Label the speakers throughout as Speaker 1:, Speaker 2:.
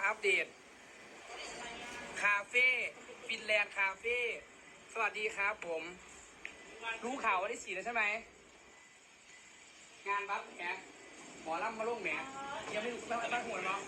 Speaker 1: อัปเดตคาเฟ่ฟินแลนด์คาเฟ่สวัสดีครับผมรู้ข่าววันที่4แล้วใช่ไหมงานบัฟแหมหมอลำมาลงแหมยังไม่รู้ตั้งหัวเนาะ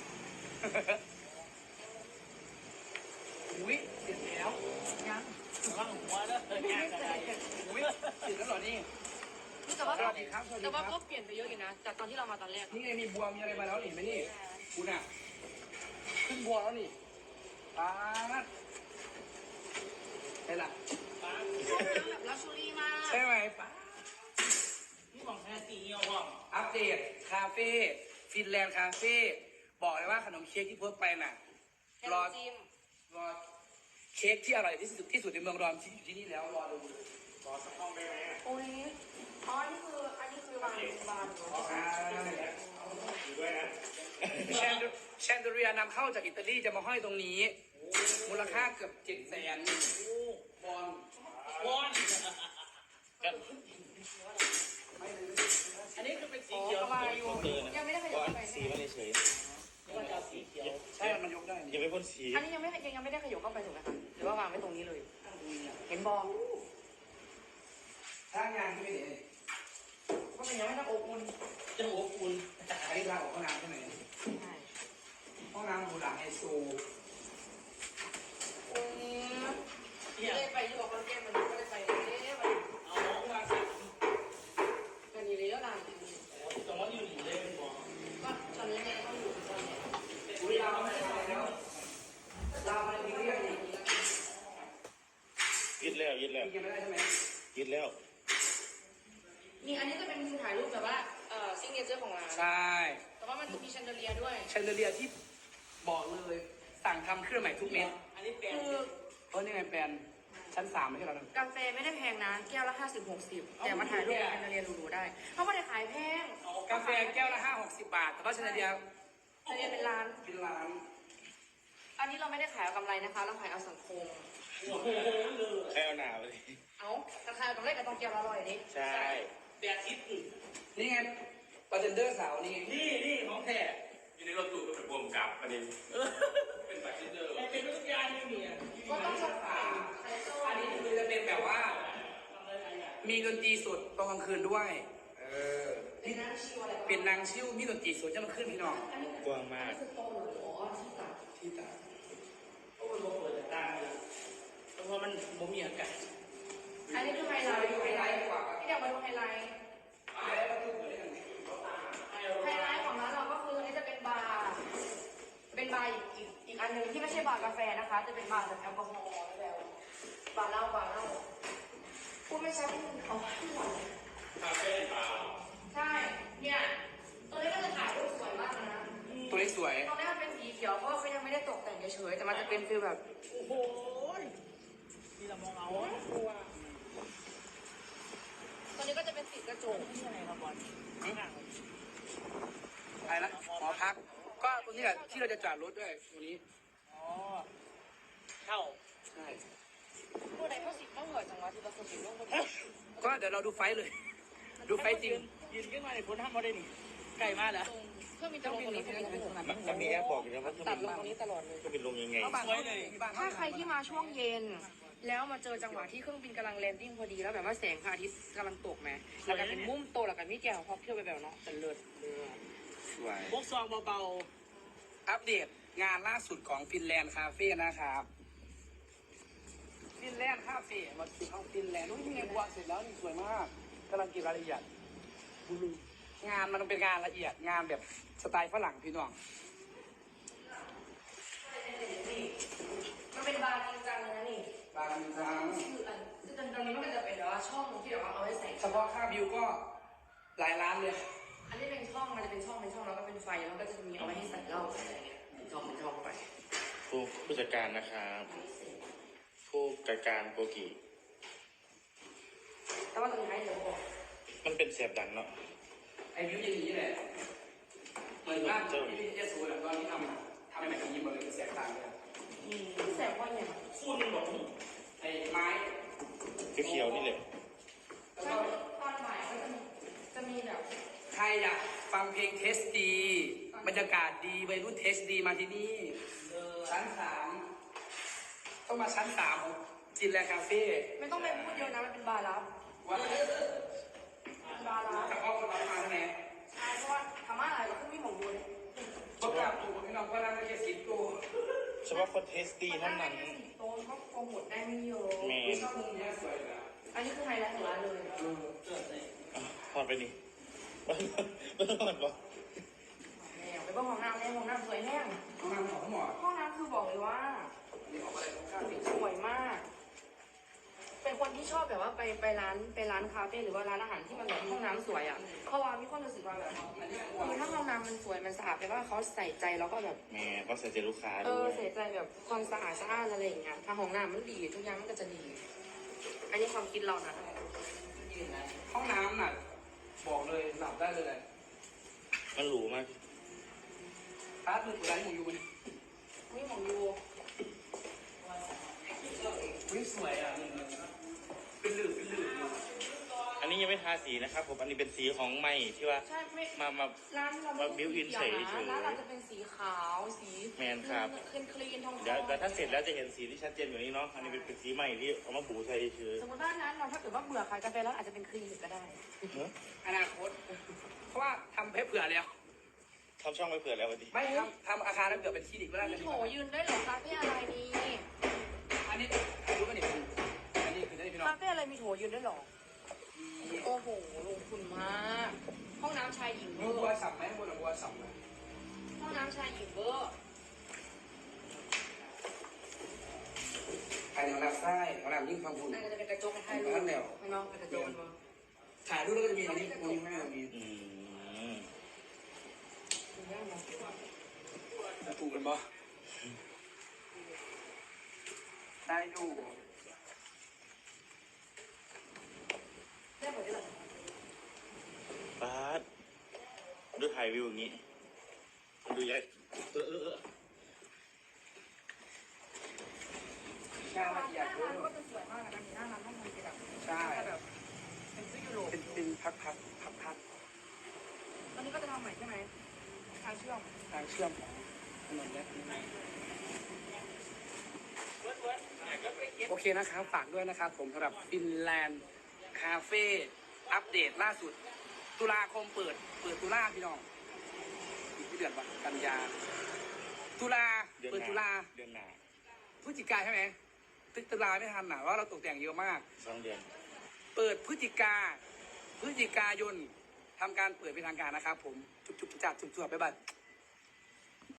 Speaker 1: อุ้ยเสร็จแล้วยัง
Speaker 2: ว่างหัวแล้วงานอะไร
Speaker 1: อุ้ยเสร็จแล้วเหรอนี่
Speaker 3: แต่ว่า
Speaker 1: สวัสดีครับสวัสดี
Speaker 3: แต่
Speaker 1: ค
Speaker 3: ว่า
Speaker 1: รับ
Speaker 3: ก็เปลี่ยนไปเยอะอยู่นะจากตอนที่เรามาตอนแรก
Speaker 1: นี่ไงมีบัวมีอะไรมาแล้วนี่ไหมนี่คุณอ่ะขึ้นบัวแล้วนี่ป๊าดใช่ละ
Speaker 3: แบบลักชัวรี่มาก
Speaker 1: ใช่ไหมป๊าด
Speaker 2: นี่มองแค่สีเงียวว่ะ
Speaker 1: อัปเดตคาเฟ่ฟินแลนด์คาเฟ่บอกเลยว่าขนมเค้กที่เพิ่มไปน่ะ
Speaker 3: แค่
Speaker 1: รอ
Speaker 3: น้ำจิ้ม
Speaker 1: รอเค้กที่อร่อยที่สุดในเมืองรอมที่อยู่ที่นี่แล้วรอดู
Speaker 2: ขอสักห้องได้ไหม
Speaker 3: โอ้ยอ๋ออันนี้คือวางบานเหรอ
Speaker 2: อยู่ด้วยนะ
Speaker 1: แชนเดเรียนำเข้าจากอิตาลีจะมาห้อยตรงนี้ มูลค่าเกือบ700,000บอล
Speaker 2: วอนอันนี้คือเป็นสีเขียว
Speaker 3: ยังไม่ได้ขยับเข้าไป
Speaker 4: สีมันเฉย
Speaker 2: มันจะสีเขียว
Speaker 1: ใช่มันยกได้
Speaker 4: ๆยังไม่พ่นสี
Speaker 3: อันนี้ยังไม่ได้ขยับเข้าไปถูกไหมคะหรือว่าวางไว้ตรงนี้เลย เห็นบอล
Speaker 1: ถ้างานที่ไม่เห็น
Speaker 3: ก็มันยังไม่ต้องอบอุ่น
Speaker 2: จะหัวปูน
Speaker 1: อันนี้ทางออกห้องน้ำใช่ไหม
Speaker 3: ใช่
Speaker 1: ห้องน้ำดูหลังไฮโซ
Speaker 3: โอ้ยไม่ได้ไปที่บอกคอนเทนต์มันไม่ได้ไปเลยมัน
Speaker 2: เอาน้องมาสัก
Speaker 3: กันอยู่แล้วล่ะ
Speaker 2: แต่ว่าอยู่หนีเลยเป็นบอล
Speaker 3: ก็ตอนนี้เนี่ยต้องอยู่ตอนนี้
Speaker 1: อุ้ยเราไม่ได้แล้วเราไม่ได้เรียกอีก
Speaker 4: ยึดแล้วยึดแล้ว
Speaker 1: ยังไม่ได้ใช่ไหม
Speaker 4: ยึดแล้ว
Speaker 3: นี่อันนี้จะเป็นมุมถ่ายรูปแบบว่าซิงเกิลเจอร์ของร้าน
Speaker 1: ใช่
Speaker 3: แต่ว่ามันจะมีแชนเดอเลียด้วย
Speaker 1: แชนเดเลียที่บอกเลยสั่งทำเครื่องใหม่ทุกเม็ด
Speaker 2: อันนี้เป็น
Speaker 3: คือ
Speaker 1: นี่ไงแปลนชั้น3ไม่ใช่เหรอ
Speaker 3: กาแฟไม่ได้แพงนะแก้วละ50-60แต่มาถ่ายรูปแชนเดอเลียดูๆได้เขาไม่ได้ขายแพง
Speaker 1: กาแฟแก้วละ5-60 บาทแต่ว่าแชนเดเลีย
Speaker 3: แชนเดอเลียเป็นร้าน
Speaker 1: เป็นร้าน
Speaker 3: อันนี้เราไม่ได้ขายเอากำไรนะคะ เราขายเอาสังคม
Speaker 2: โอ้โหเลย
Speaker 4: แค่เอาหนาวเลย
Speaker 3: เอาราคาต้องเล่นกับตองแก้วละ100ดิ
Speaker 4: ใช่
Speaker 2: แต่ทิศอื่น
Speaker 1: นี่ไงบาร์เทนเดอร์สาวนี่
Speaker 2: นี่ของแท้
Speaker 5: อยู่ในรถตู้ก็เป็นบวมกับประเด็นเป็นบัตรที่เจอ
Speaker 2: เป็นวิทยานี่เนี่ย
Speaker 3: ก็ต้องสปา
Speaker 1: อันนี้คือจะเป็นแบบว่า มีดนตรีสดตอนกลางคืนด้วย
Speaker 3: เป็นน้ำชิวอะไร
Speaker 1: เป็นนางชิวมีดนตรีสดจะมาขึ้นพี่น้อง
Speaker 4: กว้างมาก
Speaker 3: คือโตหรืออ๋อที่ตัด
Speaker 1: ที่ตา
Speaker 2: โอ้ยบอกเปิดแต่ตาเลยเพราะว่ามันบ่มีอากาศ
Speaker 3: อันนี้คือไฮไลท์
Speaker 1: ไฮไลท์กว่า
Speaker 3: ที่เดี๋ยวมาดูไฮไลท์
Speaker 1: ไฮไลท์ประตูเปิดได้ยังไง
Speaker 3: ไฮไลท์ของร้านเราก็คืออันนี้จะเป็นบาร์อีกอันหนึ่งที่ไม่ใช่บาร์กาแฟนะคะ จะเป็นบาร์แบบแอลกอฮอล์แล้วบาร์เหล้าพูดไม่ใช่เอาที่หมดเลย
Speaker 5: คาเฟ่เปล่า
Speaker 3: ใช่ เนี่ยตัวนี้ก็จะถ่ายรูปสวยมากนะ
Speaker 1: ตัวนี้สวย
Speaker 3: ตรงนี้มันเป็นสีเขียวเพราะว่าเขายังไม่ได้ตกแต่งเฉยๆแต่มันจะเป็นฟีลแบบ
Speaker 2: โอ้โหนี่เรามองเอากลัว
Speaker 3: ตัวนี้ก็จะเป็นสีกระจก
Speaker 2: นี่อะไรครับบอลข้างหลัง
Speaker 1: อะไรนะหอพัก ก็ตรงนี้แหละที่เราจะจอดรถด้วยตรงนี้
Speaker 2: อ๋อเข้า
Speaker 1: ใช่
Speaker 3: ผู้ใดเขาสิต้องเหยจังหวะที่เราสิลงบน
Speaker 1: ก็เดี๋ยวเราดูไฟท์เลย ดูไฟท์จริง
Speaker 2: ยืนขึ้นมาในพ้นห้ามมาได้หนิไก่มากแล้ว
Speaker 3: เครื่องบินจะลงตรงนี้เครื่องบินจะเป็นตรงนั้น
Speaker 4: มันมีแอปบอกอยู่นะว่าเครื่อง
Speaker 3: ตั
Speaker 4: บิ
Speaker 3: ด
Speaker 4: น
Speaker 3: ลงตรงนี้ตลอดเลย
Speaker 4: เครื่องบินลงยังไง
Speaker 1: เอาบ้าน
Speaker 2: สวยเลย
Speaker 1: มีบ้าน
Speaker 3: ถ้าใครที่มาช่วงเย็น แล้วมาเจอจังหวะที่เครื่องบินกำลังแลนดิ้งพอดีแล้วแบบว่าแสงพระอาทิตย์กำลังตกไหมแล้วก็เป็นมุมโตแล้วก็มีแก้วพอเที่ยวไปแบบเนาะจะเลิศเลย
Speaker 1: สวย
Speaker 2: พวกซองเบา
Speaker 1: อัปเดตงานล่าสุดของฟินแลนด์คาเฟ่นะครับฟินแลนด์คาเฟ่มาถึงห้องฟินแลนด์นู้นที่ไงบัวเสร็จแล้วนี่สวยมากกำลังเก็บรายละเอียดงานมันเป็นงานละเอียดงานแบบสไตล์ฝรั่งพี่น้อง
Speaker 3: มันเป็นบาร์จริงจังเลยนะนี่
Speaker 1: บางครั้ง
Speaker 3: คือตรงนี้มันก็จะเป็นแบบว่าช่องที่แบบว่าเอาไว้ใส่
Speaker 1: เฉพาะค่าบิวก็หลายล้านเลย
Speaker 3: อันนี้เป็นช่องมันจะเป็นช่องแล้วก็เป็นไฟแล้วก็จะมีเอาไว้ให้ใส่เหล้าอะไรอย่างเงี้ยเป็นช่องไป
Speaker 4: ผู้จัดการนะครับผู้จัดการโปรกิ
Speaker 3: แต่ว่าตรงนี้ให้เดี๋ยวบอก
Speaker 4: มันเป็นเสียบดังเนาะ
Speaker 1: ไอ้บิวจะอย่างนี้แหละเหมือนว่าที่เจสูแหละตอนที่ทำให้แม่ยิ้มมาเลยเสียงต่างเลย
Speaker 3: ที่แสบว่าอย่าง
Speaker 2: ๆคุณบอก
Speaker 1: ไอ้ไม้
Speaker 4: เขียวๆนี่แหละ
Speaker 1: แล้ว
Speaker 3: ใช่
Speaker 1: ก็
Speaker 3: ตอนบ่ายก็จะมีแบบ
Speaker 1: ใครอยากฟังเพลงเทสดี
Speaker 3: ต
Speaker 1: บรรยากาศดีวัยรุ่นเทสดีมาที่นี่ชั้น 3ต้องมาชั้น 3ของจินแลคาเฟ่
Speaker 3: ไม่ต้องไปพูดเยอะนะมันเป็นบาร์ลับ
Speaker 1: ว่า
Speaker 3: บาร์ลับ
Speaker 1: จะเอาคนมาทำไม
Speaker 3: ใช่เพราะว่าทำอะไรก็ขึ้นไม่หมองดูเลย
Speaker 1: ประกาศถูกพี่น้องว่านั่งไม่ใช่สิบตัว
Speaker 4: เฉพาะคนเทสตี้เท่านั้น
Speaker 3: โต๊ะก็โปรโมทได้ไม่เยอะ
Speaker 4: แมน
Speaker 1: ชอบมุมนี้สวยนะ
Speaker 3: อันนี้คือไฮไลท์ของร้านเลย
Speaker 4: พอดไปนี่ไม่ต้องพอดบอก
Speaker 3: แล้วไปบ้านห้องน้ำในห้องน้ำสวยแห้ง
Speaker 1: ห้องน้ำของหมอ
Speaker 3: ห้องน้ำคือบอกเลยว่า
Speaker 1: นี่ออกอะไรของข้าวนี่
Speaker 3: สวยมาก เป็นคนที่ชอบแบบว่าไปร้านคาเฟ่หรือว่าร้านอาหารที่มันแบบห้องน้ำสวยอ่ะเพราะว่ามีคนรู้สึกว่าแบบคือถ้าห้องน้ำมันสวยมันสะอาดแปลว่าเขาใส่ใจแล้วก็แบบ
Speaker 4: แม่ก็ใส่ใจลูกค้า
Speaker 3: เอ
Speaker 4: ด้
Speaker 3: อ
Speaker 4: วย
Speaker 3: ใส่ใจแบบความสะอาดอะไรอย่างเงี้ยถ้าห้องน้ำมันดีทุกอย่างมันก็จะดี อันนี้ความคิดเรานะ
Speaker 1: ห้องน้ำน่ะบอกเลยหลับได้เลย
Speaker 4: มันหรูมาก
Speaker 1: ร้านมือร้านหมูยูนี่
Speaker 3: นี่ของยู
Speaker 1: วิ่งสวยอ่ะเป็นหลืบอยู่
Speaker 4: อันนี้ยังไม่ทาสีนะครับผมอันนี้เป็นสีของใหม่ที่ว่า
Speaker 3: ใช่ไม่
Speaker 4: มา
Speaker 3: ร้านเราไม่
Speaker 4: มา built in
Speaker 3: ใช่สีเขียว
Speaker 4: เฉยๆ
Speaker 3: นะร้านเราจะเป็นสีขาวสี
Speaker 4: แมนครับ
Speaker 3: คลีนทอง
Speaker 4: เดี๋ยวถ้าเสร็จแล้วจะเห็นสีที่ชัดเจนกว่านี้เนาะอันนี้เป็นสีใหม่ที่เอามาบูใส่เฉย
Speaker 3: สมมติว่าร้านเราถ้าเกิดว่าเบื่อขายกาแฟแล้วอาจจะเป็นคลีนก็ได้
Speaker 1: อนาคต เพราะว่าทำเพเผื่อแล้ว
Speaker 4: ทำช่องไว้เผื่อแล้ววันนี้
Speaker 1: ไม่ทำอาคารแล้วเผื่อเป็นคลินิกก็ได้
Speaker 3: มี
Speaker 1: นะ
Speaker 3: โถยืนได้เหรอคาเฟ่อะไรนี่
Speaker 1: อันนี้รู้ป่ะเนี่ยอันนี้คือได้พี่น้อง
Speaker 3: คาเฟ่อะไรมีโถยืนได้เหรอโอ้โหลงทุนมากห้องน้ำชายหญิงเว
Speaker 1: มี
Speaker 3: อ
Speaker 1: บัว
Speaker 3: ร์
Speaker 1: สับไหมบนบัวสับไหม
Speaker 3: ห้องน้ำชายหญิงเวอร์
Speaker 1: ภายในห้องน้ำใต้ห้องน้ำยิ่งฟังคุณ
Speaker 3: นั่นก็จะเป็นกระจกถ่ายรูปไม่น้องเป็นกระจกมัน
Speaker 1: ถ่ายรูปแล้วก็จะมีอันนี้ตรงนี้ไม่มี
Speaker 4: อืม
Speaker 1: ถูกกันปะได้ดู
Speaker 3: ได้หมดเลยเหรอ
Speaker 4: ป๊าดดูถ่ายวิวอย่างนี้ดูใหญ่
Speaker 1: ชาละเอียด
Speaker 3: ร้านก็จะสวยมากนะอันนี้หน้าร้านห้องมันจะแบบ
Speaker 1: ใช่
Speaker 3: แบบเป็นซื้อยุโรป
Speaker 1: เป็นพัก
Speaker 3: ตอนนี้ก็จะทำใหม่ใช่ไหมทางเชื่อม
Speaker 1: ทางเชื่อมของถนนและโอเคนะครับฝากด้วยนะครับผมสำหรับฟินแลนด์คาเฟ่อัปเดตล่าสุด ตุลาคมเปิดตุลาพี่น้องอีกที่เดือนวะกันยาตุลา
Speaker 4: เดือน
Speaker 1: เปิด
Speaker 4: ห
Speaker 1: ตุลา
Speaker 4: น้าเดือนหน้า
Speaker 1: พฤศจิกาใช่ไหมตุลาไม่ทันนะว่าเราตกแต่งเยอะมาก
Speaker 4: 2 เดือน
Speaker 1: เปิดพฤศจิกายนทำการเปิดเป็นทางการนะครับผมจุบจับจุบไปบัด